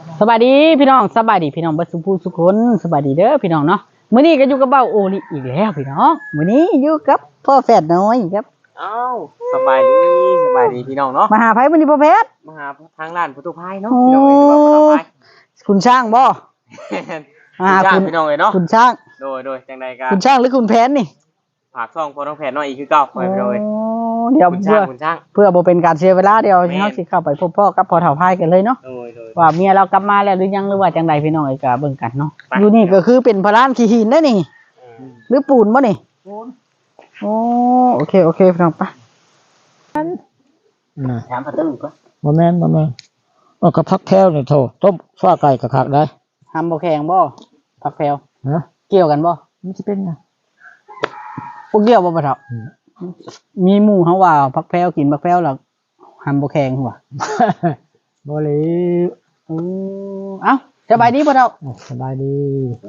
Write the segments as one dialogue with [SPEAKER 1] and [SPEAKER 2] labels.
[SPEAKER 1] สบายดีพี่น้องสบายดีพี่น้องบัดสุภูสุคนสบายดีเด้อพี่น้องเนาะมื้อนี้ก็อยู่กับเบ้าโอลิอีกแล้วพี่น้องมื้อนี้อยู่กับพ่อแฝดน้อยครับ
[SPEAKER 2] อ้าวสบายดีพี่น้องเนาะ
[SPEAKER 1] มาหาไผมื้อนี้พ่อแฝด
[SPEAKER 2] มาหาทางร้านประตูพายเนาะพี่น้องเอ้ยว่าประตูพาย
[SPEAKER 1] คุณช่างบ่
[SPEAKER 2] คุณพี่น้องเอ้ยเนาะ
[SPEAKER 1] คุณช่าง
[SPEAKER 2] โดยจังใดกัน
[SPEAKER 1] คุณช่างหรือคุณแผนนี่
[SPEAKER 2] ฝากซ่องพอน้องแผนน้อยอีกคือเก่าไปพี่น้องเอ้ย
[SPEAKER 1] เดี๋ยว
[SPEAKER 2] คุณช่าง
[SPEAKER 1] เพื่อบ่เป็นการเสียเวลาเดี๋ยวเฮาสิเข้าไปพบพ่อกับพ่อเฒ่าพายกันเลยเนาะว่าเมียเรากลับมาแล้วหรือยังหรือว่าจังใดพี่น้องเอ้ยก็เบิ่งกันเนาะอยู่นี่ก็คือเป็นพลานขี้หินเด้อนี่หรือปูนบ่นี่ปูนโอเคพี่น้องไป
[SPEAKER 2] ถามประตูก่อน
[SPEAKER 3] บ่แม่นก็พักแถวนี่โทต้มฟ้าไก่กะคักได้
[SPEAKER 1] ทำบ่แข็งบ่ผักแพรว
[SPEAKER 3] ฮะ
[SPEAKER 1] เกี่ยวกันบ่
[SPEAKER 3] มันสิเป็นไง
[SPEAKER 1] บ่เกี่ยวบ่ปะเฒ่ามีหมู่เฮาว่าผักแพรวกินผักแพรวแล้วทำบ่แข็งหัว
[SPEAKER 3] บ่เลย
[SPEAKER 1] เอ้าสบายดีพ่อเฒ่า
[SPEAKER 3] สบายดี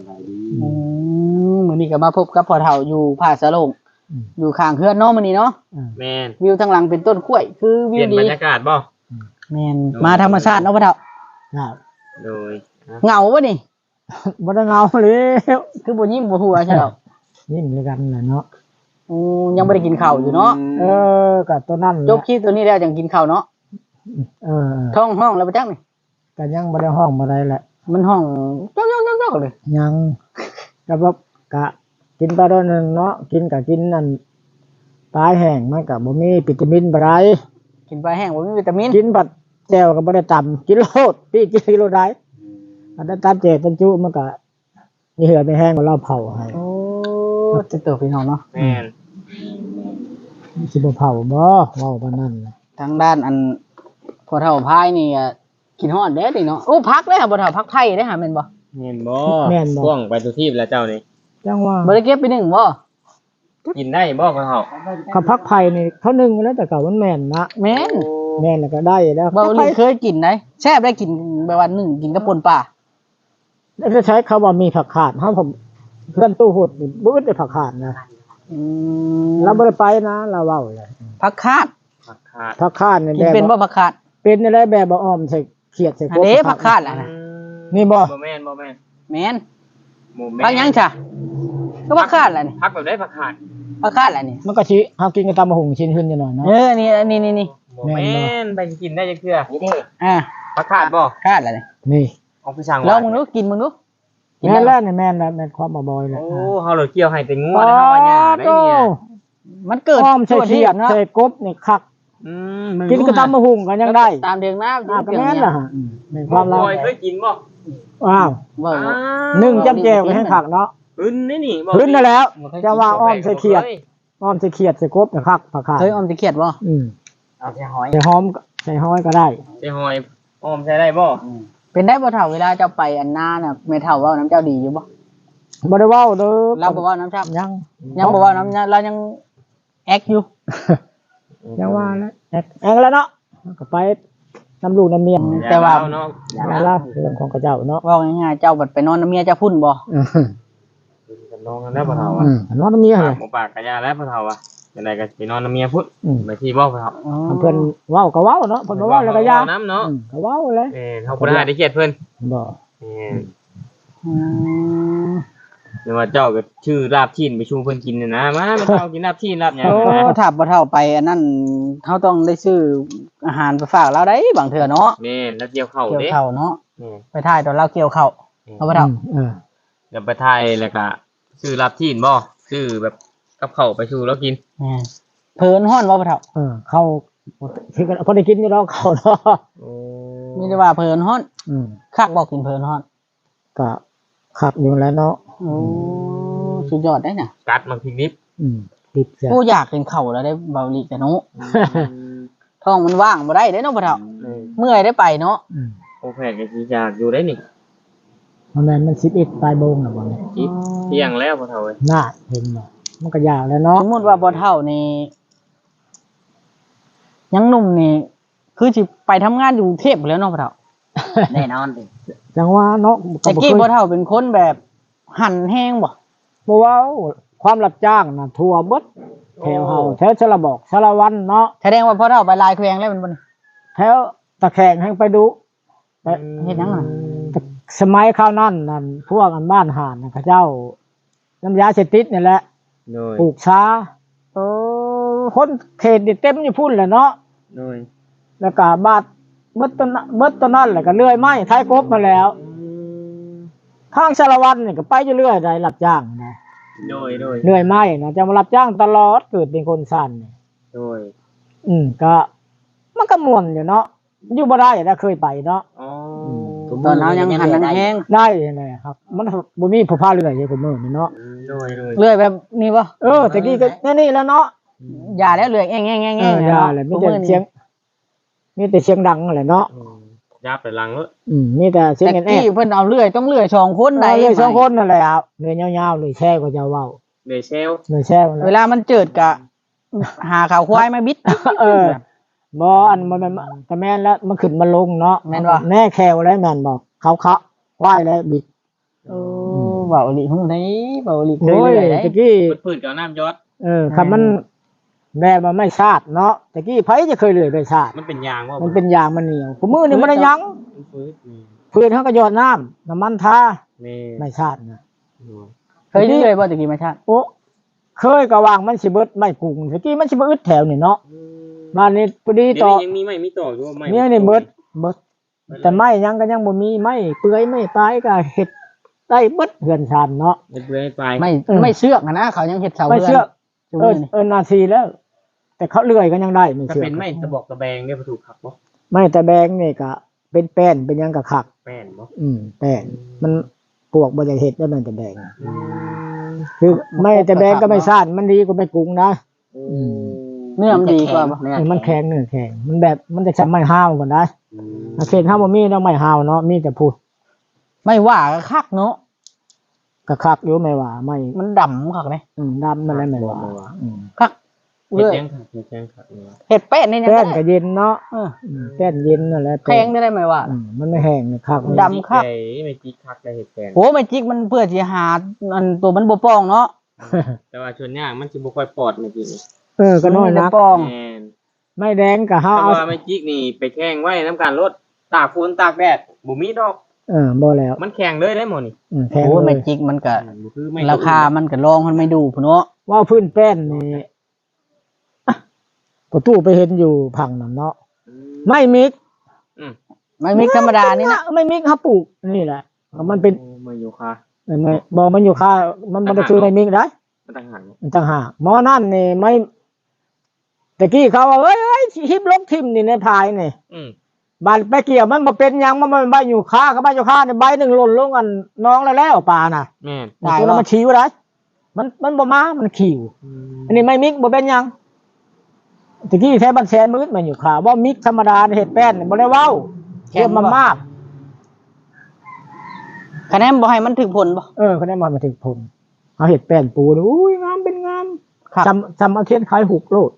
[SPEAKER 1] มื้อนี้ก็มาพบกับพ่อเฒ่าอยู่ผาสะโลงอยู่ข้างเฮือนเนาะมื้อนี้เนาะ
[SPEAKER 2] แม่น
[SPEAKER 1] วิวทางหลังเป็นต้นกล้วยคือวิวดี
[SPEAKER 2] บรรยากาศบ่
[SPEAKER 1] แม่นมาธรรมชาติเนาะพ่อเฒ่า
[SPEAKER 2] โดย
[SPEAKER 1] เหงาบ่นี่
[SPEAKER 3] บ่ได้เหงาแล้ว
[SPEAKER 1] คือบ่ยิ้มบ่หัวใช่ดอก
[SPEAKER 3] ยิ้มด้วยกันน่ะเนาะ
[SPEAKER 1] ยังบ่ได้กินข้าวอยู่เนาะ
[SPEAKER 3] ก็ตัวนั้น
[SPEAKER 1] จบคลิปตัวนี้แล้วจังกินข้าวเนาะท้องห้องแล้วบ่จักนี่
[SPEAKER 3] ก็ยังบ่ได้ห้องบ่ได้แหละ
[SPEAKER 1] มันห้องจ๊อกๆๆเลย
[SPEAKER 3] ยังก็แบบกะกินไปตอนนึงเนาะกินนั่นปลาแห้งมันก็บ่มีวิตามินบ่ได้
[SPEAKER 1] กินปลาแห้งบ่มีวิตามิน
[SPEAKER 3] กินผัดแจ่วก็บ่ได้ตำกินโลดพี่กินโลดได้อันนั้นตามเจตันจุมันก็มีเหือไม่แห้งเราเผาให้
[SPEAKER 1] จะเติบพี่น้องเนาะ
[SPEAKER 2] แม่น
[SPEAKER 3] สิบ่เผาบ่เว้าปานนั้น
[SPEAKER 1] ทางด้านอันพอเฒ่าพายนี่กินฮอดเด้ดิเนาะโอ้พักเลยค่ะบ่เฒ่าพักไผ่เด้ค่ะแม่นบ่
[SPEAKER 2] แม่นบ่ช่วงไปทุกที่แล้วเจ้านี่
[SPEAKER 3] จังว่า
[SPEAKER 1] บ่ได้เก็บไป1บ่
[SPEAKER 2] กินได้บ่พ่อเฒ่า
[SPEAKER 3] เขาพักไผ่นี่เขานึ่งแล้วแต่เก่ามันแม่นนะ
[SPEAKER 1] แม่น
[SPEAKER 3] แล้วก็ได้แล้ว
[SPEAKER 1] บ่ได้เคยกินได้แซ่บได้กินแบบว่า1กินกับป่นปลา
[SPEAKER 3] แล้วจะใช้คำว่ามีผักขาดเฮาผมเพื่อนตู้หุดนี่บ่ได้ผักขาดนะเราบ่ได้ไปนะเราเว้าเลย
[SPEAKER 1] ผักคาด
[SPEAKER 3] นี่
[SPEAKER 1] กินเป็นบ่ผักคาด
[SPEAKER 3] เป็นอะไรแบบบ่อ้อมใส่เขียดใส่
[SPEAKER 1] กบอันนี้ผักคาดล่ะนะ
[SPEAKER 3] นี่บ่
[SPEAKER 2] แม่น
[SPEAKER 1] แม่นผักหยังจ้ะก็ผักคาดล่ะนี่
[SPEAKER 2] ผักแบบได้ผักขาด
[SPEAKER 1] ล่ะนี่
[SPEAKER 3] มันก็สิเฮากินกับตำบักหุ่งชิ้นขึ้นอยู่หน่อยเนาะ
[SPEAKER 1] นี่
[SPEAKER 2] แม่นไปกินได้จังเทื่อนี่ผักขาดบ่
[SPEAKER 1] คาดล่ะ
[SPEAKER 3] นี่
[SPEAKER 2] เอาไปสั่ง
[SPEAKER 1] ลองมึงดูกินมึงดู
[SPEAKER 3] แม่นแล้วนี่แม่นความบ่บ่อยแล้ว
[SPEAKER 2] โอ้เฮาเลยเกี่ยวให้แต่งัวแล้วเฮาว่าหญ้าได้เนี่ย
[SPEAKER 1] มันเกิด
[SPEAKER 3] อ้อมใส่เขียดใส่กบนี่คักกินกับตำบักหุ่งกันยังได้
[SPEAKER 1] ตามเถียงน้ำ
[SPEAKER 3] ก็แม่นล่ะในความเรา
[SPEAKER 2] เคยกินบ่
[SPEAKER 3] ว้าวนึ่งจ้ำแจ่วให้คักเนาะ
[SPEAKER 2] พื้นนี่บ่
[SPEAKER 3] พื้นนั่นแล้วจะว่าอ้อมใส่เขียดใส่กบคักผักขาด
[SPEAKER 1] เคยอ้อมใส่เขียดบ่
[SPEAKER 2] เอาใส่หอย
[SPEAKER 3] ใส่หอมใส่หอยก็ได้
[SPEAKER 2] ใส่หอยอ้อมใส่ได้บ่
[SPEAKER 1] เป็นได้บ่เฒ่าเวลาเจ้าไปอันนาน่ะแม่เฒ่าเว้าน้ำเจ้าดีอยู่บ่
[SPEAKER 3] บ่ได้เว้าเด้อ
[SPEAKER 1] เราบ่เว้าน้ำชับ
[SPEAKER 3] ยัง
[SPEAKER 1] บ่เว้าน้ำเรายังแอคอยู่
[SPEAKER 3] ยังว่าแล้วแอกแล้วเนาะก็ไปน้ำลูกน้ำเมีย
[SPEAKER 1] แต่ว่า
[SPEAKER 2] เนาะ
[SPEAKER 3] เรื่องของกระเจ้าเนาะ
[SPEAKER 1] เว้าง่ายๆเจ้าบัดไปนอนน้ำเมียเจ้าพุ่นบ่
[SPEAKER 2] นอนแล้วพ่อเฒ่าอ่ะ
[SPEAKER 3] นอนน้ำเมียเหรอ
[SPEAKER 2] หมู่ปากกะยาแล้วพ่อเฒ่าอ่ะจังได๋ก็สินอนน้ำเมียพุ่นไปที่บ่พ่อเฒ่า
[SPEAKER 3] เพิ่นเว้าก็เว้าเนาะเพิ่นเว้าแล้วก็ยา
[SPEAKER 2] น้ำเนาะ
[SPEAKER 3] ก็เว้าเลย
[SPEAKER 2] เฮาบ่ได้เกียดเพิ่น
[SPEAKER 3] บ่
[SPEAKER 2] หรือว่าเจ้าก็ชื่อลาบชิ้นไปชูเพิ่นกินน่ะนะมาเฒ่ากินลาบชิ้นลาบหยัง
[SPEAKER 1] ถ้าบ่เฒ่าไปอันนั้นเฮาต้องได้ซื้ออาหารไปฝากเราได้บางเทื่อเนาะ
[SPEAKER 2] แม่นแล้วเกี่ยวข้าว
[SPEAKER 1] เด้เกี่ยวข้าวเนาะไปถ่ายตอนเราเกี่ยวข้าวเอาบ่เฒ่า
[SPEAKER 2] เดี๋ยวไปถ่ายแล้วก็ซื้อลาบชิ้นบ่ซื้อแบบกับข้าวไปชูแล้วกิน
[SPEAKER 1] เพิ่นฮ้อนบ่เฒ่า
[SPEAKER 3] เข้าคือพอได้กินอยู่แล้วเข้าเนาะ
[SPEAKER 1] มีแต่ว่าเพิ่นฮ้อนคักบ่กินเพิ่นฮ้อน
[SPEAKER 3] ก็คักอยู่แล้วเนาะ
[SPEAKER 1] สุดยอดได้น่ะ
[SPEAKER 2] กัดมันพริกนิบ
[SPEAKER 3] ติด
[SPEAKER 1] กูอยากกินข้าวแล้วได้เบาลีกแต่เนาะท้องมันว่างบ่ได้เด้เนาะพ่อเฒ่าเมื่อยได้ไปเนาะ
[SPEAKER 2] โอเคก็สิอยากอยู่ได้นี่
[SPEAKER 3] มัน11ปลายโมงน่ะบ่เนี่ย
[SPEAKER 2] เที่ยงแล้วพ่อเฒ่าเอ้ย
[SPEAKER 3] น่าเห็นบ่มันก็ยากแล้วเนาะ
[SPEAKER 1] สมมุติว่าบ่เฒ่านี่ยังหนุ่มนี่คือสิไปทำงานอยู่กรุงเทพแล้วเนาะพ่อเฒ่าแน่นอนดิ
[SPEAKER 3] จังว่าเนาะ
[SPEAKER 1] แต่กี้พ่อเฒ่าเป็นคนแบบหั่นแห้งบ่
[SPEAKER 3] เว้าความรับจ้างน่ะทั่วเบิดแถวเฮาแถวชลบอกชลวันเนาะ
[SPEAKER 1] แสดงว่าพ่อเฒ่าไปลายแขวงแล้วมันบ่
[SPEAKER 3] แถวตะแคงแห่งไปดูแต่
[SPEAKER 1] เฮ็ดหยังน่ะ
[SPEAKER 3] แต่สมัยข้าวนั่นนั่นพวกอันบ้านห่านน่ะเขาเจ้าน้ำยาเสพติดนี่แหละ
[SPEAKER 2] โดย
[SPEAKER 3] ปลูกช้าคนเขตนี่เต็มอยู่พุ่นแหละเนาะ
[SPEAKER 2] โดย
[SPEAKER 3] แล้วก็บาดเมื่อต้นนั่นแหละก็เลื่อยไม้ท้ายกบมาแล้วข้างสารวัตรนี่ก็ไปอยู่เรื่อยได้รับจ้างนะ
[SPEAKER 2] โดย
[SPEAKER 3] เลื่อยไม้นะจะมารับจ้างตลอดเกิดเป็นคนสั่นนี่
[SPEAKER 2] โดย
[SPEAKER 3] ก็มันก็ม่วนอยู่เนาะอยู่บ่ได้นะเคยไปเนาะ
[SPEAKER 2] อ๋อ
[SPEAKER 1] ตอนนั้นยังหันยังแห้ง
[SPEAKER 3] ได้เลยครับมันบ่มีผู้พาเรื่อยอยู่กับมือนี่เนาะ
[SPEAKER 2] โดย
[SPEAKER 1] เลื่อยแบบนี้บ่
[SPEAKER 3] ตะกี้ก็นี่แล้วเนาะ
[SPEAKER 1] อย่าแล้วเลื่อยแง่ๆๆๆ
[SPEAKER 3] อย่าเลยมีแต่เสียงดังแหละเนาะ
[SPEAKER 2] ยับไปหลังเอ้ย
[SPEAKER 3] มีแต่เสียง
[SPEAKER 1] แต่
[SPEAKER 3] แอ่
[SPEAKER 1] กี้เพิ่นเอาเลื่อยต้องเลื่อย2คนได้
[SPEAKER 3] เลย2คนนั่นแหละครับเลยยาวๆเลยแช่ก็จะเว้า
[SPEAKER 2] เดเซล
[SPEAKER 3] เลยแช่มัน
[SPEAKER 1] เวลามันเจิดก็หาข่าวควายมาบิด
[SPEAKER 3] บ่อันมันก็แม่นแล้วมันขึ้นมาลงเนาะ
[SPEAKER 1] แม่นบ่
[SPEAKER 3] แน่แควแล้วแม่นบ่เขาควายแล้วบิด
[SPEAKER 1] เบาหลีฮู้ได้เบาหลีเคย
[SPEAKER 3] โอ้ย
[SPEAKER 1] เลื่อยได้
[SPEAKER 3] ตะกี้
[SPEAKER 2] พืชกับน้ำยอด
[SPEAKER 3] คันมันแม่มันไม่ชาติเนาะตะกี้ไผจะเคยเลยไปชาติ
[SPEAKER 2] มันเป็นยางว่า
[SPEAKER 3] มันเป็นยางมันเหนียวกูมือนี่มันได้ยัง
[SPEAKER 2] ฟืด
[SPEAKER 3] เพื่อนเขาก็หยอดน้ำมันทา
[SPEAKER 2] แม่
[SPEAKER 3] ไม่ชาตินะ
[SPEAKER 1] เคยเลื่อยบ่ตะกี้มาชาติ
[SPEAKER 3] โอ้เคยก็วางมันสิเบิดไม่กุ้งตะกี้มันสิบ่อึดแถวนี่เนาะบ้านนี้พอดี
[SPEAKER 2] เดี๋ยว
[SPEAKER 3] ต่อ
[SPEAKER 2] นี้ยังมีไหมมีต่ออยู่ว่าไหม
[SPEAKER 3] เนี่ยนี่เบิดแต่ไม่ยังก็ยังบ่มีไม่เปื่อยไม่ตายก็เฮ็ดได้เบิดเฮือนชานเนาะ
[SPEAKER 2] เบื่อไป
[SPEAKER 1] ไม่เชือกนะเขายังเฮ็ดเสา
[SPEAKER 3] ไม่
[SPEAKER 1] เรื
[SPEAKER 3] เชื่อ
[SPEAKER 1] อนนี่
[SPEAKER 3] นาทีแล้ว แต่เขาเลื่อยก็ยังได้ไม่
[SPEAKER 2] ถ้า
[SPEAKER 3] เชื่อ
[SPEAKER 2] เป็นไม่ตะบอกตะแบงเนี่ยถูกขับบ่
[SPEAKER 3] ไม่แต่แบงนี่ก็เป็นแป้นเป็นหยังก็คัก
[SPEAKER 2] แป้นบ่
[SPEAKER 3] แป้นมันปวกบ่อยากเฮ็ดได้มันแต่แบงคือไม่แต่แบงก็ไม่ซ่านมันดีกว่าไม่กุ้งนะ
[SPEAKER 1] เนื้อมันดีกว่าบ่
[SPEAKER 3] มันแข็งเนื้อแข็งมันแบบมันจะทำไม้ห้าวก่อนได้เขตห้าวบ่มีเนาะไม้ห้าวเนาะมีแต่พูด
[SPEAKER 1] ไม่ว่าก็คักเนาะ
[SPEAKER 3] ก็คักอยู่ไม่ว่าไม่
[SPEAKER 1] มันดำคักเลย
[SPEAKER 3] ดำนั่นแหละไม่ว่า
[SPEAKER 1] คัก
[SPEAKER 2] เฮ็ด
[SPEAKER 1] เลื่อย
[SPEAKER 2] ยังขับเฮ็ดยังขับเนี่ย
[SPEAKER 1] เฮ็ดแป้นนี่นะ
[SPEAKER 3] แป้นก็เย็นเนาะ
[SPEAKER 1] เออ
[SPEAKER 3] แป้นเย็นนั่นแหละ
[SPEAKER 1] แพงได้ไหมว่า
[SPEAKER 3] มันไม่แห้งคัก
[SPEAKER 1] ดำ คัก
[SPEAKER 2] ไม่จีคักได้เฮ็ดแป้น
[SPEAKER 1] โหไม่จิกมันเพื่อสิหาอันตัวมันบ่ป้องเนาะ
[SPEAKER 2] แต่ว่าชวนยากมันสิบ่ค่อยปลอดไม่จีนี่
[SPEAKER 3] ก็น้อยนัก
[SPEAKER 1] ป้อง
[SPEAKER 2] แม่น
[SPEAKER 3] ไม่แดงก็เฮา
[SPEAKER 2] แต่
[SPEAKER 3] เอา
[SPEAKER 2] ว่าไม่จิกนี่ไปแข่งไว้น้ำการรถตากฝนตากแดดบ่มีดอก
[SPEAKER 3] บ่แล้ว
[SPEAKER 2] มันแข่งเลยได้หมดนี่
[SPEAKER 3] แพง
[SPEAKER 1] โอ้ย
[SPEAKER 3] เล
[SPEAKER 1] ไม่
[SPEAKER 3] ย
[SPEAKER 1] จิกมันก็
[SPEAKER 2] บ่คือไม่
[SPEAKER 1] ราคามันก็รองมันไม่ดูพุ่นเนาะ
[SPEAKER 3] ว่าพื้นแป้นนี่ประตูไปเห็นอยู่พังนั่นเนาะไม่มิก
[SPEAKER 1] ไม่มิกธรรมดานี่นะ
[SPEAKER 3] ไม่มิกครับปลูกนี่แหละมันเป็น
[SPEAKER 2] มาอยู่ค่ะ
[SPEAKER 3] ไม่บอกมันอยู่ค่ามันบ่ได้คือไม่มิกได้
[SPEAKER 2] มันต่างหาก
[SPEAKER 3] มันต่างหากหมอนั่นนี่ไม่ตะกี้เขาว่าเอ้ยฮิบลกทิมนี่ในพายนี่บานไปเกี่ยวมันมาเป็นหยังมันใบอยู่ค่ากับใบอยู่ค่าเนี่ยใบหนึ่งหล่นลงกันน้องแล้วปลาน่ะ
[SPEAKER 2] แม่น
[SPEAKER 3] ได้แล้วมันขิวได้มันบ่มามันขิวอันนี้ไม่มิกบ่เป็นหยังตะกี้แท้บันแสนมืดมันอยู่ค่าว่ามิกธรรมดาเฮ็ดแป้นนี่บ่ได้เว้าเทียบมันมาก
[SPEAKER 1] คะแนนบ่ให้มันถึงผลบ่
[SPEAKER 3] เขาได้มาถึงผมเอาเฮ็ดแป้นปูนี่อุ้ยงามเป็นงาม
[SPEAKER 1] ครับ
[SPEAKER 3] จำเอาเทียนขายหุกโลด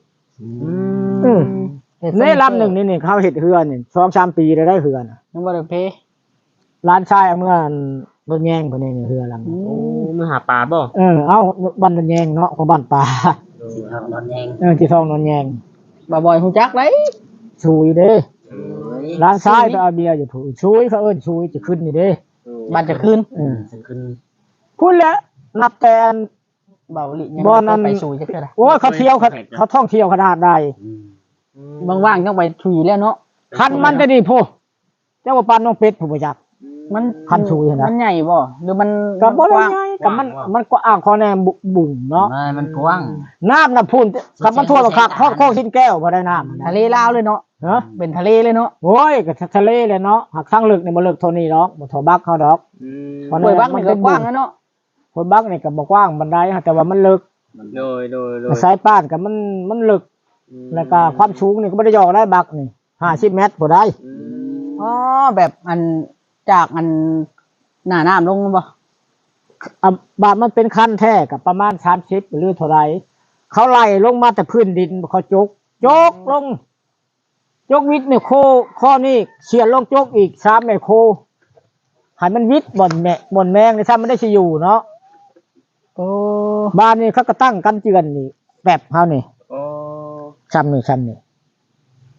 [SPEAKER 3] ในลำหนึ่งนี่เขาเห็ดเฮือนนี่2-3 ปีได้เฮือน
[SPEAKER 1] ยังบ่ได้เพ
[SPEAKER 3] ร้านชายเอาเมื่อรถแยงพอนี่เฮือลำ
[SPEAKER 2] โอ้มือหาปลาบ่
[SPEAKER 3] เอาบ้านรถแยงเนาะของบ้านป่า
[SPEAKER 2] สิครับนอนแยง
[SPEAKER 3] จีทองนนแยง
[SPEAKER 1] บ่บ่อยฮู้จักเลย
[SPEAKER 3] ชุยเด้ร้านชายไปเอาเบียร์อยู่ถูชุยเขาเอิ้นชุยจะขึ้นนี่เด้
[SPEAKER 1] บัดจะคืน
[SPEAKER 2] จะขึ้น
[SPEAKER 3] พูดแล้วนับแต่
[SPEAKER 1] เบาหลียัง
[SPEAKER 3] บ่นั้น
[SPEAKER 1] ไปสู่จักเทื่อใด
[SPEAKER 3] โอ้ยเขาเที่ยวเขาท่องเที่ยวขนาดใด
[SPEAKER 1] ว่างๆต้องไปชุยแล้วเนาะ
[SPEAKER 3] คันมันจะนี่พูเจ้าว่าปานน้องเป็ดผู้บ่จัก
[SPEAKER 1] มัน
[SPEAKER 3] คันชุยนะ
[SPEAKER 1] มันใหญ่บ่หรือมัน
[SPEAKER 3] ก็บ่ได้ไงก็มันก็อ่างคอแนมบุ่งเนาะ
[SPEAKER 1] มันกว้าง
[SPEAKER 3] น้ำน่ะพูนกับมันทั่วบักคักฮอดโคกชิ้นแก้วบ่ได้น้ำ
[SPEAKER 1] ทะเลลาวเลยเนาะ
[SPEAKER 3] ฮะ
[SPEAKER 1] เป็นทะเลเลยเนาะ
[SPEAKER 3] โอ้ยก็ทะเลเลยเนาะหักทั้งลึกนี่บ่ลึกเท่านี้ดอกบ่เท่าบักเขาดอก
[SPEAKER 1] ห้วยบักมันก็กว้างนะเนาะ
[SPEAKER 3] คนบักนี่ก็บ่กว้างบันไดแต่ว่ามันลึก
[SPEAKER 2] โดย
[SPEAKER 3] สายป้านก็มันลึกแล้วก็ความสูงนี่ก็บ่ได้ยอได้บักนี่50 เมตรบ่ได้
[SPEAKER 1] อ๋อแบบอันจากอันหน้าน้ำลงบ่
[SPEAKER 3] บาดมันเป็นคันแท้ก็ประมาณ30หรือเท่าใดเขาไล่ลงมาแต่พื้นดินเขาจกลงจกวิทย์นี่โคข้อนี้เขียนลงจกอีก3ไมโครให้มันวิทย์บ่อนแมงนี่ถ้ามันได้สิอยู่เนาะ
[SPEAKER 1] โอ้
[SPEAKER 3] บ้านนี่เขาก็ตั้งกันเจือนนี่แบบเฮานี่
[SPEAKER 2] โอ้
[SPEAKER 3] ซ้ำนี่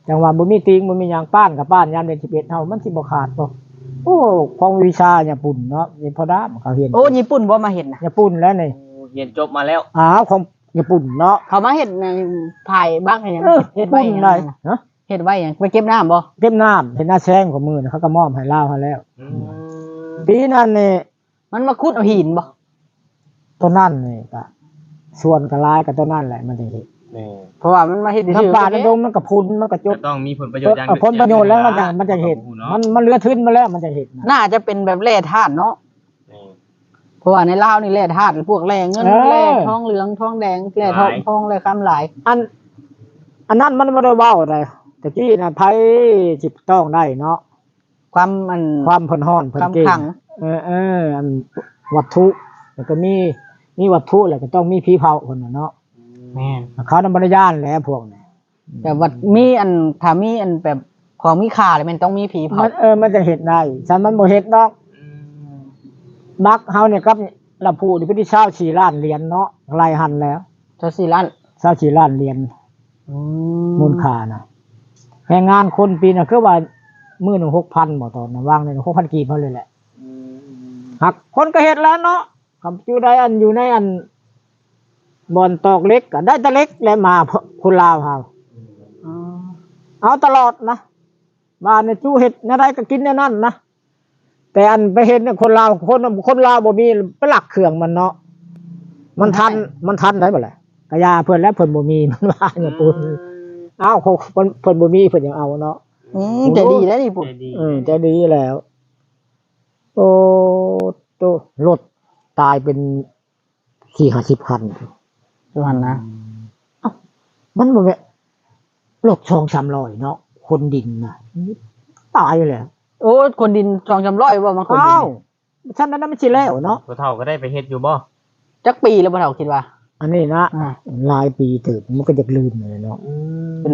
[SPEAKER 3] จังว่าบ่มีติงบ่มีหยังป้านกับป้านยามเดือน11เฮามันสิบ่ขาดบ่โอ้ของวิชาญี่ปุ่นเนาะนี่พอดามเขาเห็น
[SPEAKER 1] โอ้ญี่ปุ่นบ่มาเห็นน่ะ
[SPEAKER 3] ญี่ปุ่นแล้วนี่
[SPEAKER 2] เรียนจบมาแล้ว
[SPEAKER 3] ของญี่ปุ่นเนาะ
[SPEAKER 1] เขามาเห็นในภายบ้างให้หยัง
[SPEAKER 3] เฮ็ดไว้ได้ฮะ
[SPEAKER 1] เฮ็ดไว้หยังไปเก็บน้ำบ่
[SPEAKER 3] เก็บน้ำเห็นหน้าแซงของมือนะเขาก็มอบให้ลาวเขาแล้วปีนั้นนี่
[SPEAKER 1] มันมาขุดเอาหินบ่
[SPEAKER 3] ต้นนั่นนี่ก็ส่วนก็หลายกับต้นนั่นแหละมันจะเห็น
[SPEAKER 1] เพราะว่ามันมาเฮ็ดซื่อ
[SPEAKER 3] น้ำป่าน้ำดงมันก็พุนมันก็จ
[SPEAKER 2] จะ
[SPEAKER 3] บ
[SPEAKER 2] ต้องมีผลประโยชน์อย่าง
[SPEAKER 3] ผลประโยชน์แล้วมันจะเห็นมันเลือทึ้นมาแล้วมันจะเห็น
[SPEAKER 1] น่าจะเป็นแบบแร่ธาตุเนาะเพราะว่าในลาวนี่แร่ธาตุพวกแร่เงินแร่ทองเหลืองทองแดงแร่ทองแร่คำหลาย
[SPEAKER 3] อันนั้นมันไม่ได้เว้าอะไรแต่กี้นะไผจิบต้องได้เนาะ
[SPEAKER 1] ความ
[SPEAKER 3] เพิ่นฮ้อนเพิ่น
[SPEAKER 1] ความ
[SPEAKER 3] เก่ง
[SPEAKER 1] ขัง
[SPEAKER 3] อันวัตถุแล้วก็มีวัตถุแล้วก็ต้องมีผีเผาคนน่ะเนาะ
[SPEAKER 1] แม่น
[SPEAKER 3] เขานำบริญาณแหล้วพวกนี้
[SPEAKER 1] แต่ว่ามีถ้ามีแบบของมีค่าเลยมันต้องมีผีเผา
[SPEAKER 3] มันจะเห็นได้ฉันมันบ่เห็นดอกบักเฮาเนี่ยครับลำพูนี่เพิ่นที่24ล้านเหรียญเนาะไล่หันแล้ว
[SPEAKER 1] เจ้าสี่ล้าน
[SPEAKER 3] 24ล้านเหรียญมูลค่านะแรงงานคนปีน่ะคือว่ามื้อหนึง 6,000 บ่ตอนน่ะวางใน 6,000 กีบเฮาเลยแหละหักคนก็เฮ็ดแล้วเนาะคำอยู่ได้อยู่ในบ่อนตอกเหล็กก็ได้แต่เหล็กและมาคนลาวเฮาเอาตลอดนะบ้านเนี่ยจู้เฮ็ดแนวใดก็กินแนวนั้นนะแต่ไปเห็นเนี่ยคนลาวคนลาวบ่มีไปหลักเครื่องมันเนาะมันทันได้บ่ล่ะกะยาเพิ่นแล้วเพิ่นบ่มีมันว่าอย่างปุ่นเอ้าเพิ่นบ่มีเพิ่นยังเอาเนาะ
[SPEAKER 1] ใจดีแล้วนี่ปุ๊
[SPEAKER 3] ใจดีแล้วโอ้โตรถตายเป็น40-50 คัน
[SPEAKER 1] สุพรรณนะ
[SPEAKER 3] มันบ่แม่นรถ2-300เนาะคนดินน่ะตายเลย
[SPEAKER 1] โอ้คนดิน200-300ว่ามันคนดิ
[SPEAKER 3] อ้าน วฉันนั้นมันสิแล้วเนาะ
[SPEAKER 2] ผู้เฒ่าก็ได้ไปเฮ็ดอยู่บ่
[SPEAKER 1] จักปีแล้วบ่เฒ่าคิดว่า
[SPEAKER 3] อันนี้นะ
[SPEAKER 1] อ่า
[SPEAKER 3] หลายปีเติบมันก็จะลืมเลยเนาะ
[SPEAKER 1] เป็น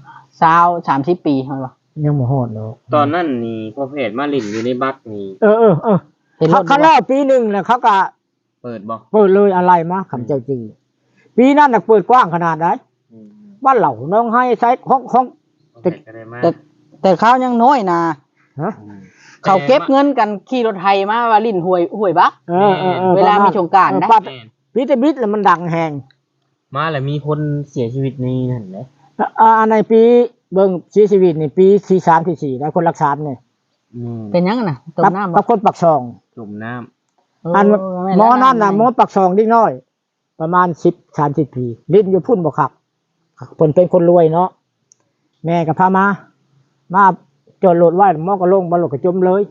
[SPEAKER 1] 20-30 ปีเห็นบ่
[SPEAKER 3] ยังบ่ฮอดเนาะ
[SPEAKER 2] ตอนนั้นนี่พอเพจมาลิ่นอยู่ในบักนี่
[SPEAKER 1] เห็นรถ
[SPEAKER 3] เขาเล่าปีหนึงแล้วเขาก็
[SPEAKER 2] เปิดบ่
[SPEAKER 3] เปิดเลยอะไรมาคำเจ้าจีปีนั้นน่ะเปิดกว้างขนาดไหนบ้านเหล่าน้องให้ใช้ของ
[SPEAKER 2] พอเพจก็ได้มา
[SPEAKER 1] แต่เขายังน้อยนะ
[SPEAKER 3] ฮะ
[SPEAKER 1] เขาเก็บเงินกันขี่รถไถมาว่าลิ้นห้วยบัก เวลามีสงกรานต์นะ
[SPEAKER 3] บิดบิดแล้วมันดังแฮง
[SPEAKER 2] มาแล้วมีคนเสียชีวิตนี่นั่นแหละ
[SPEAKER 3] ในปีเบิ่งชีวิตนี่ปี43 44ได้คนรักษาเนี่ย
[SPEAKER 1] เป็นยังไงนะต้มน้ำ
[SPEAKER 3] กับคนปักซอง
[SPEAKER 2] จุ่มน้ำ
[SPEAKER 3] อันหมอนั่นน่ะหมอปักซองเล็กน้อย ประมาณ30 ปีลิ้นอยู่พุ่นบ่คักเพิ่นเป็นคนรวยเนาะแม่ก็พามาจอดรถไว้หมอก็ลงบ่รถก็จมเลย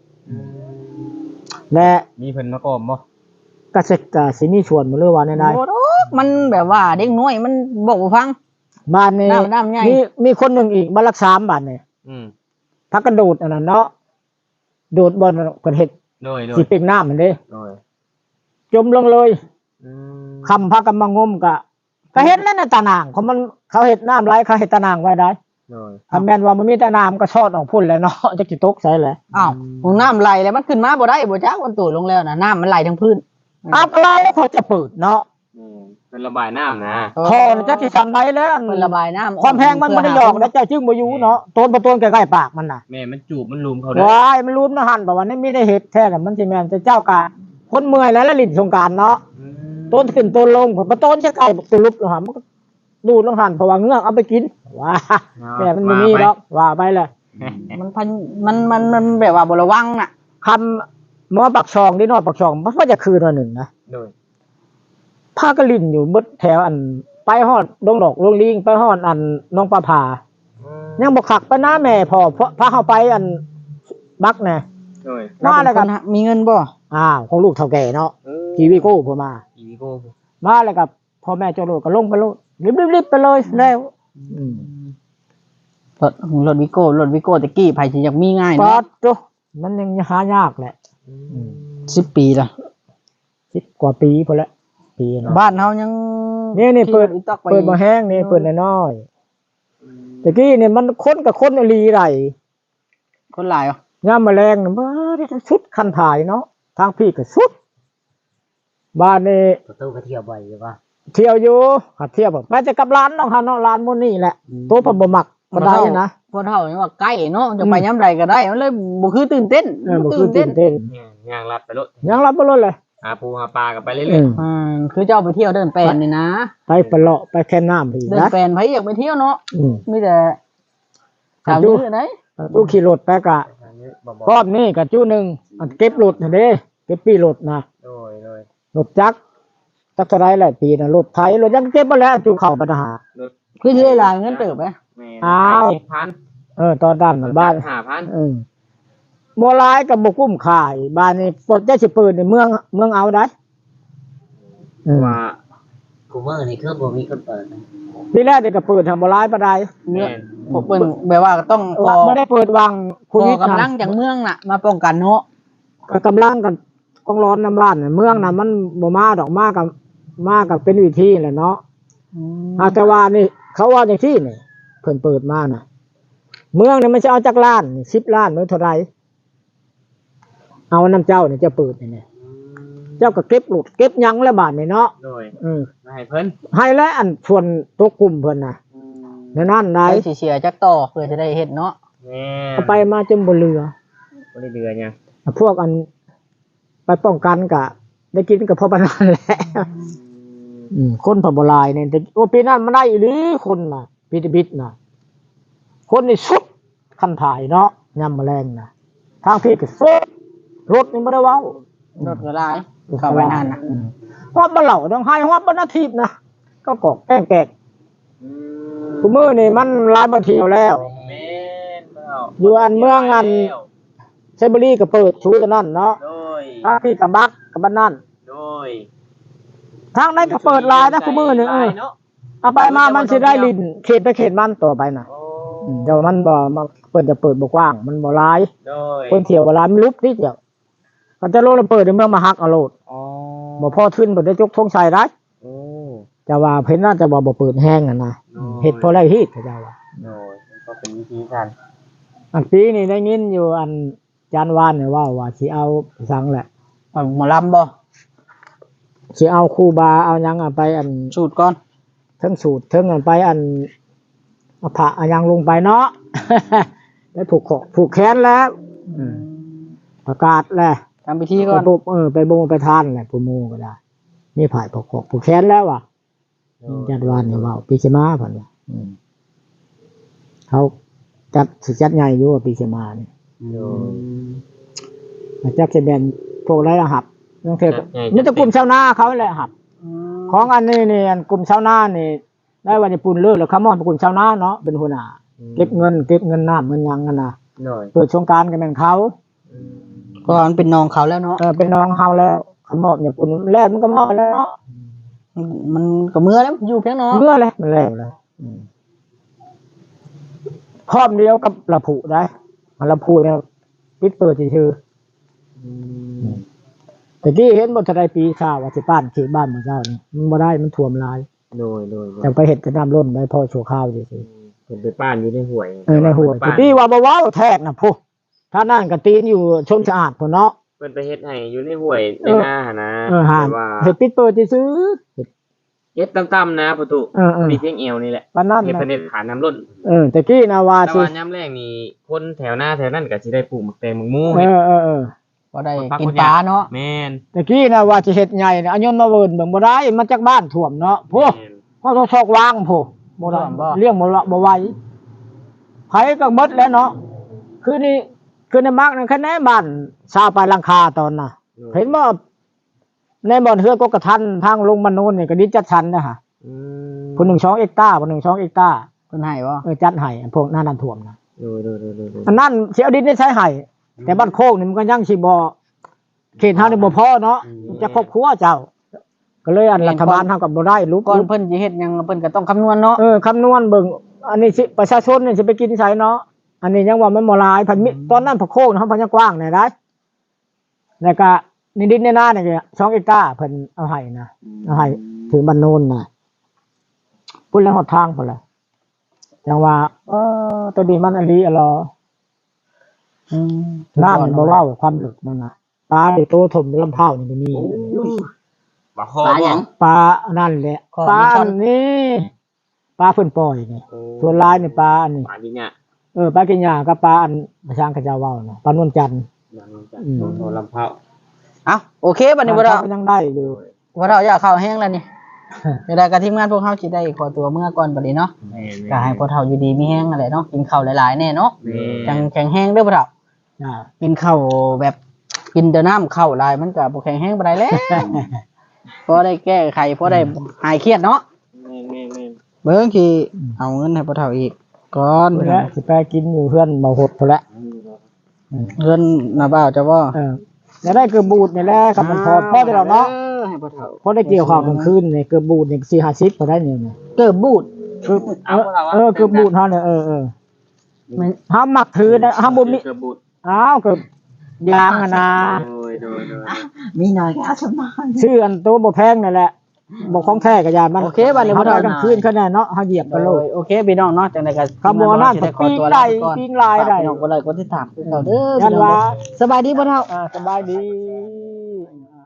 [SPEAKER 3] และ
[SPEAKER 2] มีเพิ่นมาก่อมบ่
[SPEAKER 3] ก็สิมีส่วนบ่เลยว่าแน่
[SPEAKER 1] โอ้โหมันแบบว่าเด็กน้อยมันบอกบ่ฟัง
[SPEAKER 3] ๆบ้านนี้
[SPEAKER 1] น้ำใหญ่
[SPEAKER 3] มีคนหนึงอีกบ้านรักษาบ้านนี่พักกระโดดอันนั้นเนาะโดดบ่เพิ่นเฮ็ด
[SPEAKER 2] โดย
[SPEAKER 3] สิเป็นน้ำมันเด้
[SPEAKER 2] โดย
[SPEAKER 3] จมลงเลยคำพากันมางมก็เฮ็ดนั่นน่ะตานางเขาเฮ็ดน้ำไหลเขาเฮ็ดตานางไว้ได้
[SPEAKER 2] โดย
[SPEAKER 3] ถ้าแม่นว่ามันมีตานางก็ชอดออกพุ่นแหล้วเนาะจักสิตกใส่แหละ
[SPEAKER 1] อ้าวของน้ำไหลแล้วมันขึ้นมาบ่ได้บ่จักมันตู่ลงแล้วนะน้ำมันไหลทั้งพื้น
[SPEAKER 3] อะไรเขาจะเปิดเนาะ
[SPEAKER 2] เป็นระบายน้ำนะ
[SPEAKER 3] พอจักสิสั่นได้แล้ว
[SPEAKER 1] มันระบายน้ำ
[SPEAKER 3] ความแพงมันบ่ได้หยอกแล้วเจ้าจึงบ่อยู่เนาะต้นบ่ต้นใกล้ๆปากมันน่ะ
[SPEAKER 2] แม่มันจูบมันลุมเขาได้
[SPEAKER 3] ว้ายมันรู้นะหั่นบ่ว่านี่มีได้เฮ็ดแท้น่ะมันสิแม่นแต่เจ้ากะคนเมื่อยแล้วลิ้นสงกรานต์เนาะต้นขึ้นต้นลงบ่ต้นใกล้ๆตลุบลงหามันก็ดูลงหั่นเพราะว่าเงือกเอาไปกินว้าแต่มันบ่มีดอกว่าไปเลย
[SPEAKER 1] มันแบบว่าบ่ระวังน่ะ
[SPEAKER 3] คำหมอปักซองนี่นอดปักซองมันว่าจะคืนวันหนึ่งนะ
[SPEAKER 2] โดย
[SPEAKER 3] พากระลินอยู่เบิดแถวอันไปฮอดดงดอกลงลิงไปฮอดอันน้องปลาผายังบอกขักไปหน้าแม่พอพาเข้าไปอันบักแน่
[SPEAKER 2] โดย
[SPEAKER 3] มาแล้วกัน
[SPEAKER 1] มีเงินบ่
[SPEAKER 3] ของลูกเฒ่าแก่เนาะทีวีโก้พอมา
[SPEAKER 2] อีวิโก้
[SPEAKER 3] มาแล้วกับพ่อแม่เจ้าโลดก็ลงไปโลดรีบไปเลยแล้ว
[SPEAKER 1] รถวิโก้ตะกี้ไผสิอยากมีง่าย
[SPEAKER 3] ปอ
[SPEAKER 1] เนาะ
[SPEAKER 3] ดจุมันยังหายากแหละ
[SPEAKER 1] 10 ปีละ
[SPEAKER 3] 10 กว่าปีพอแล้วปีเนาะ
[SPEAKER 1] บ้านเฮายัง
[SPEAKER 3] นี่เปิด
[SPEAKER 1] ขี่รถอีต๊อกไป
[SPEAKER 3] เปิดบ่แห้งนี่เปิดน้อยๆตะกี้เนี่ยมันคนกับคนอลีไร
[SPEAKER 1] คนหลายอ่ะ
[SPEAKER 3] ย่ามแมลงน่ะบ้าได้สุดคันถ่ายเนาะทางพี่ก็สุดบ้านนี่
[SPEAKER 2] ประตูก็เที่ยวบ่อยอยู่ป่ะ
[SPEAKER 3] เที่ยวอยู่หัดเที่ยวแบบไปจะกับร้านน้องฮะเนาะร้านมื้อนี้แหละโตะบ่มักก็ได้นะ
[SPEAKER 1] พอเท่านี่ว่าใกล้เนาะจะไปย้ำใดก็ได้มันเลยบ่คือตื่นเต้น
[SPEAKER 3] บ่คือตื่นเต้น
[SPEAKER 2] ย่างลัดไปรถ
[SPEAKER 3] ยังรับบ่รถเลย
[SPEAKER 2] หาปูหาปลากันไปเรื่
[SPEAKER 3] อื
[SPEAKER 2] อย
[SPEAKER 3] ม
[SPEAKER 1] คือเจ้าไปเที่ยวเดินแปลนนี่นะ
[SPEAKER 3] ไปปเลาะไปแค่น้ำพี่
[SPEAKER 1] เดิน
[SPEAKER 3] นะ
[SPEAKER 1] แปลนไผอยากไปเที่ยวเนาะ
[SPEAKER 3] อืม
[SPEAKER 1] มีแต่ถามอยู่ไหน
[SPEAKER 3] ตู้ขี่รถไปกะ
[SPEAKER 2] ๆบอก
[SPEAKER 3] รอบนี้กะจู้หนึงอันเก็บรถน่ะเด้เก็บปีรถนะ
[SPEAKER 2] โดย
[SPEAKER 3] รถจักรจักเท่าไรหลายปีน่ะรถไถรถยังเก็บบ่แล้วจูเข้าปัญหา
[SPEAKER 1] คือสิได้ลาเงินเติบไหม
[SPEAKER 3] อ้าว
[SPEAKER 2] 7,000
[SPEAKER 3] ตอนนั้นน่ะบ้าน
[SPEAKER 2] 5,000
[SPEAKER 3] บ่หลายก็บ่คุ้มค่าอีกบ้านนี้ปลดได้สิเปิดในเมืองเอาได้
[SPEAKER 2] ว่า
[SPEAKER 4] กูเมอร์นี่คือบ่มีคนเปิดนะ
[SPEAKER 3] ทีแรกเด็กก็เปิดทำบ่หลายปานใด
[SPEAKER 1] เนื้อผมเป็นแบบว่าต้องพอ
[SPEAKER 3] บ่ได้เปิดวาง
[SPEAKER 1] พอกำลังจากเมืองน่ะ มาป้องกันเนาะ
[SPEAKER 3] ก็กำลังกันต้องร้อนน้ำบ้านน่ะเมืองน่ะมันบ่มาดอกมากับเป็นวิธีแหละเนาะแต่ว่านี่เขาว่าจังซี่นี่เพิ่นเปิดมาน่ะ เมืองนี่มันจะเอาจักล้านนี่10ล้านมื้อเท่าไหร่เอาน้ำเจ้านี่จะเปิดนี่เจ้าก็เก็บหลุดเก็บหยังแล้วบาดนี่เนาะ
[SPEAKER 2] โดย
[SPEAKER 3] มา
[SPEAKER 2] ให้เพิ่น
[SPEAKER 3] ให้แล้วอันส่วนตัวกลุ่มเพิ่นน่ะในนั้นได้
[SPEAKER 1] ไปสิเสียจักต่อเพื่อจะได้เฮ็ดเนาะ
[SPEAKER 2] แม่
[SPEAKER 3] เอาไปมาจนบ่เหลือ
[SPEAKER 2] บ่ได้เดือหยัง
[SPEAKER 3] พวกอันไปป้องกันกะได้กินกับพ่อบ้านนั่นแหละคนพะบ่หลายเนี่ยแต่โอ้ปีนั้นมันได้อีหรือคนน่ะปีบิดน่ะคนนี่สุดคันถ่ายเนาะยามแมลงน่ะทางพี่ก็สุดรถนี่บ่ได้เว้าร
[SPEAKER 1] ถก็หลายเข้าไปนั่นน่ะ
[SPEAKER 3] ฮอดบ่เหล่าต้องให้ฮอดบ่นาทีนะก็กอกแกล้งทุกมื้อนี่มันหลายบ่เที่ยวแล้ว
[SPEAKER 2] แม่นเปล่า
[SPEAKER 3] อยู่อันเมืองอันไซบุรีก็เปิดชูตะนั่นเนาะ
[SPEAKER 2] โดย
[SPEAKER 3] ทางพี่กับบักกับบ้านนั่น
[SPEAKER 2] โดย
[SPEAKER 3] ทางนั้นก็เปิดลายนะคุมือนึงเอาไปมามันสิได้ลินเขตไปเขตมันต่อไปน่ะ
[SPEAKER 2] โอ้
[SPEAKER 3] เดี๋ยวมันบ่มาเปิดจะเปิดบ่กว้างมันบ่หลาย
[SPEAKER 2] โดย
[SPEAKER 3] คนเที่ยวบ่หลายมันลุบนิดเดียวก็จะโลดเปิดในเมืองมาฮักเอาโลด
[SPEAKER 2] อ๋อ
[SPEAKER 3] บ่พอขึ้นบ่ได้จกธงชัยได้
[SPEAKER 2] โอ้
[SPEAKER 3] จะว่าเพิ่นน่าจะบ่เปิดแห้งอ่ะนะเฮ็ดพอได้ฮีดเขาเจ้าว่า
[SPEAKER 2] โดยก็เป็นวิธีการ
[SPEAKER 3] อันปีนี้ได้ยินอยู่อันจานวานเนี่ยว่าสิเอาสังแหละ
[SPEAKER 1] เอาหมอลำบ่
[SPEAKER 3] สิเอาครูบาเอาหยังไปอัน
[SPEAKER 1] สูตรก่อน
[SPEAKER 3] เทิงสูตรเทิงอันไปอันเอาผ้าเอาหยังลงไปเนาะ ได้ผูกคอผูกแขนแล้วประกาศแล้ว
[SPEAKER 1] ทำพิธีก่อน
[SPEAKER 3] ไปบุบไปบงไปทานแหละผู้หมู่ก็ได้นี่ผ่ายผูกคอผูกแขนแล้วว่ะจัดวานเนี่ยว่าปีชมาผ่านว่าเขาจัดสิจัดใหญ่อยู่ว่าปีชมาเนี่ย
[SPEAKER 2] โดย
[SPEAKER 3] จักจะแบนพวกไรละหับนั่นเถอะนี่จะกลุ่มชาวนาเขาแหละหับ ของอันนี้นี่อันกลุ่มชาวนานี่ได้วันญี่ปุ่นเลิกแล้วเขามองเป็นกลุ่มชาวนาเนาะเป็นหัวหน้าเก็บเงินน้ำเงินยังกันนะ
[SPEAKER 2] โดย
[SPEAKER 3] เปิดโครงการกันเป็นเขา
[SPEAKER 1] ก็มันเป็นน้องเขาแล้วเนาะ
[SPEAKER 3] เป็นน้องเขาแล้วเขามอบญี่ปุ่นแรกมันก็มอบแล้วเนาะ
[SPEAKER 1] มันก็เมื่อแล้วอยู่เพียงน้อง
[SPEAKER 3] เมื่อเลยมันแล้วเลยพร้อมเดียวกับละผูได้ละผูเนี่ยปิดเปิดชื่อแต่ที่เห็นบนทะเลปีชาวว่าจะป้านเขตบ้านเมืองเจ้านี่มันบ่ได้มันท่วมลาย
[SPEAKER 2] โดย
[SPEAKER 3] แต่ไปเห็ดกระน้ำล้นได้พอโชว์ข้าวเฉย
[SPEAKER 2] เป็นไปป้านอยู่ในห่วย
[SPEAKER 3] ในหัวที่ว่าบ่ว้าวแทกนะผู้ถ้านั่นก็ตีนอยู่ชมสะอาดพุ่นเนาะ
[SPEAKER 2] เพิ่นไปเฮ็ดให้อยู่ในห่วยในหน้าหั่นนะ
[SPEAKER 3] หา
[SPEAKER 2] แต่ว่า
[SPEAKER 3] เห็ดปิดเปิดซื้อ
[SPEAKER 2] เฮ็ดต่ำๆนะประตูมีเพียงเอวนี่แหละ
[SPEAKER 3] ปานนั้น
[SPEAKER 2] เฮ็ดเพิ่นเฮ็ดขาน้ำล้น
[SPEAKER 3] แต่กี้นะว่า
[SPEAKER 2] แต่
[SPEAKER 3] สิ
[SPEAKER 2] ว่าย่ำแรกนี่คนแถวหน้าแถวนั้นก็สิได้ปลูกหมักแตงหมักหมู
[SPEAKER 1] ก็ได้กินปลาเนาะ
[SPEAKER 2] แม่น
[SPEAKER 3] แต่กี้นะว่าสิเฮ็ดใหญ่นะอันยนต์มาเวินเบิ่งบ่ได้มันจากบ้านท่วมเนาะผู้
[SPEAKER 2] แม่น
[SPEAKER 3] พ่อต้องชอกวางผู้บ่ได้เลี้ยงบ่ไหวไผก็หมดแล้วเนาะคือนี่คือในมักนั่นแค่ไหนบ้านชาวปลายหลังคาตอนน่ะ เห็นบ่ในบ่อนเฮือกกระทันทางลงมาโน่นนี่ก็ดิจัดชันนะฮะ
[SPEAKER 2] อืม
[SPEAKER 3] ผู้1 2เอกตาร์ผู้1 2เอกตาร์
[SPEAKER 1] เพิ่นให้บ่
[SPEAKER 3] จัดให้พวกนั้นท่วมนะ
[SPEAKER 2] โดย
[SPEAKER 3] อันนั้นสิเอาดินได้ใช้ให้แต่บ้านโคกนี่มันก็ยังสิบ่เขตเฮานี่บ่พอเนาะจะครอบครัวเจ้า ก็เลยอันรัฐบาลเฮาก็บ่ได้ลุก
[SPEAKER 1] ก่อนเพิ่นสิเฮ็ดหยังเพิ่นก็ต้องคำนวณเนาะ
[SPEAKER 3] คำนวณเบิ่งอันนี้สิประชาชนนี่สิไปกินไสเนาะอันนี้ยังว่ามันบ่หลายพันมิตอนนั้นพวกโคกเฮาพันยังกว้างแน่ได้แล้วก็นี่ดินในนานี่ก็2เอกตาร์เพิ่นเอาให้นะเอาให้ถึงบ้านโนนน่ะพุ่นแล้วฮอดทางพุ่นล่ะจังว่าตัวนี้มันอันนี้อะลอ น้ามันบ่เว้าความลึกมันน่ะปลาที่โตถมลำเผานี่ก็มี
[SPEAKER 2] บ่คอ
[SPEAKER 1] ปลาห
[SPEAKER 2] บ่
[SPEAKER 1] ยัง
[SPEAKER 3] ปลานั่นแหละ
[SPEAKER 1] ข้อ
[SPEAKER 3] ปลา
[SPEAKER 1] มีช่อน
[SPEAKER 3] อันนี้ปปลาเพิ่นปล่อยนี่ส่วนหลายนี่ปลาอันนี้
[SPEAKER 2] ปลากินเนี่ย
[SPEAKER 3] ปลากินหญ้ากับปลาอันประชางกระเจ้าเว้าน่ะปลานวลจันทร์
[SPEAKER 2] อย่างนั้นจ้ะโทรลำเผา
[SPEAKER 1] เอ้าโอเคบัดนี้บ่เรา
[SPEAKER 3] ยังได้อยู่
[SPEAKER 1] บ่เราอยากเข้าแห้งแล้วนี่เวลากับทีมงานพวกเฮาสิได้ขอตัวเมื่อก่อนบัดนี้เนาะก็ให้พ่อเฒ่าอยู่ดีมีแห้งนั่นแหละเนาะกินข้าวหลายๆแน่เนาะจังแข็งแห้งเด้อพ่อเฒ่า
[SPEAKER 3] จ้า
[SPEAKER 1] กินข้าวแบบกินแต่น้ำข้าวหลายมันก็บ่แข็งแห้งปานใดแล้วพอได้แก้ไขพอได้หายเครียดเนาะ
[SPEAKER 2] แม่
[SPEAKER 1] เบิ่งสิเอาเงินให้พ่อเฒ่าอีกก่อน
[SPEAKER 3] เพิ่นแหละสิไปกินอยู่เพื่อนเมาหดพุ่นแหละ
[SPEAKER 1] เงินน่ะบ่าวจะบ่
[SPEAKER 3] แล้วได้เกือบบูดนี่แหละกับมันพอได้แล้วเนาะ
[SPEAKER 1] ให้พ่อเฒ่า
[SPEAKER 3] พอได้เกี่ยวข้าวกลางคืนนี่เกือบบูดนี่4-50ก็ได้เนี่ย
[SPEAKER 1] เกิดบูด
[SPEAKER 3] เกือบเกือบบูดเฮาเนี่ยมันเฮามักถือนะเฮาบ่มี
[SPEAKER 2] เกือบบูด
[SPEAKER 3] อ้าวเกือบยางอะนะ
[SPEAKER 2] โดย
[SPEAKER 1] มีหน่อยก็เอาสมาน
[SPEAKER 3] ชื่ออันโตบ่แพงนั่นแหละบ่ของแท้ก็ยานมัน
[SPEAKER 1] โอเคบัดนี้
[SPEAKER 3] เฮา
[SPEAKER 1] บ่
[SPEAKER 3] ได้
[SPEAKER 1] ได้
[SPEAKER 3] กลางคืนคะแนนเนาะเฮาเหยียบไปโลด
[SPEAKER 1] โอเคพี่น้องเนาะจังได๋ก็
[SPEAKER 3] คำว่านั่น
[SPEAKER 1] สิได้ขอตัว
[SPEAKER 3] ปิ้งไก่
[SPEAKER 1] ลาไปก่อน
[SPEAKER 3] ปิ้งลายได้
[SPEAKER 1] ฝกพี่น้องกดไลค์กดติดตามคือเก่าเด้อ
[SPEAKER 3] ยันว่า
[SPEAKER 1] สบายดีพ่อเฒ่า
[SPEAKER 3] สบายดี